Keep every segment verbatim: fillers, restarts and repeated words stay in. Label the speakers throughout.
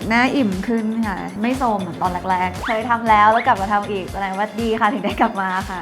Speaker 1: หน้าอิ่มขึ้นค่ะไม่โทรมเหมือนตอนแรกๆเคยทำแล้วแล้วกลับมาทำอีกแสดงว่าดีค่ะถึงได้กลับมาค่ะ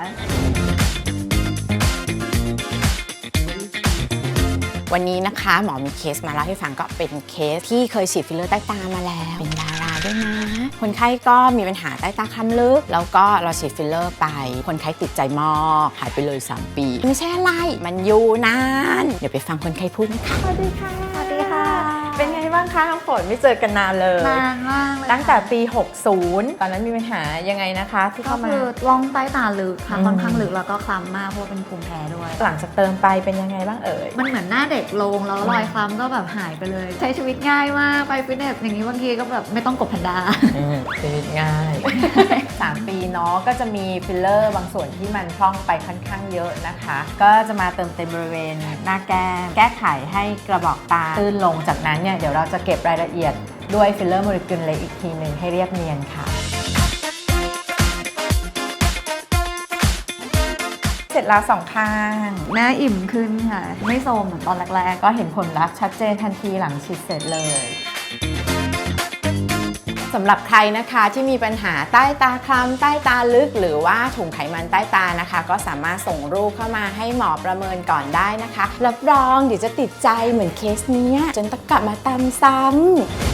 Speaker 2: วันนี้นะคะหมอมีเคสมาเล่าให้ฟังก็เป็นเคสที่เคยฉีดฟิลเลอร์ใต้ตามาแล้วเป็นดาราด้วยนะคนไข้ก็มีปัญหาใต้ตาคล้ำลึกแล้วก็เราฉีดฟิลเลอร์ไปคนไข้ติดใจมากหายไปเลยสามปีไม่ใช่อะไรมันอยู่นานเดี๋ยวไปฟังคนไข้พูดนะคะสวัสดีค่ะ
Speaker 1: สวัสดีค่ะ
Speaker 2: เป็นไงบ้างคะน้องฝนไม่เจอกันนานเลย
Speaker 1: นานมากเลย
Speaker 2: ตั้งแต่ปีหกสิบตอนนั้นมีปัญหายังไงนะคะที่
Speaker 1: ก็
Speaker 2: เข้ามา
Speaker 1: คือล่องใต้ตาลึกค่ะค่อนข้างลึกแล้วก็คล้ำมากเพราะว่าเป็นภูมิแพ้ด้วย
Speaker 2: หลังจากเติมไปเป็นยังไงบ้างเอ่ย
Speaker 1: มันเหมือนหน้าเด็กลงแล้วรอยคล้ำก็แบบหายไปเลยใช้ชีวิตง่ายมากไปฟิตเนสอย่างนี้บางทีก็แบบไม่ต้องกดแพนด้า
Speaker 2: ชีวิตง่าย สามปีเนาะก็จะมีฟิลเลอร์บางส่วนที่มันพร่องไปค่อนข้างเยอะนะคะก็จะมาเติมเต็มบริเวณหน้าแก้มแก้ไขให้กระบอกตาตื้นลงจากนั้นเนี่ยเดี๋ยวเราจะเก็บรายละเอียดด้วยฟิลเลอร์โมเลกุลเล็กอีกทีหนึ่งให้เรียบเนียนค่ะเสร็จแล้วสองข้าง
Speaker 1: หน้าอิ่มขึ้นค่ะไม่โทรมเหมือนตอนแรกๆ
Speaker 2: ก็เห็นผลลัพธ์ชัดเจนทันทีหลังฉีดเสร็จเลยสำหรับใครนะคะที่มีปัญหาใต้ตาคล้ำใต้ตาลึกหรือว่าถุงไขมันใต้ตานะคะก็สามารถส่งรูปเข้ามาให้หมอประเมินก่อนได้นะคะรับรองเดี๋ยวจะติดใจเหมือนเคสนี้จนต้องกลับมาตามซ้ำ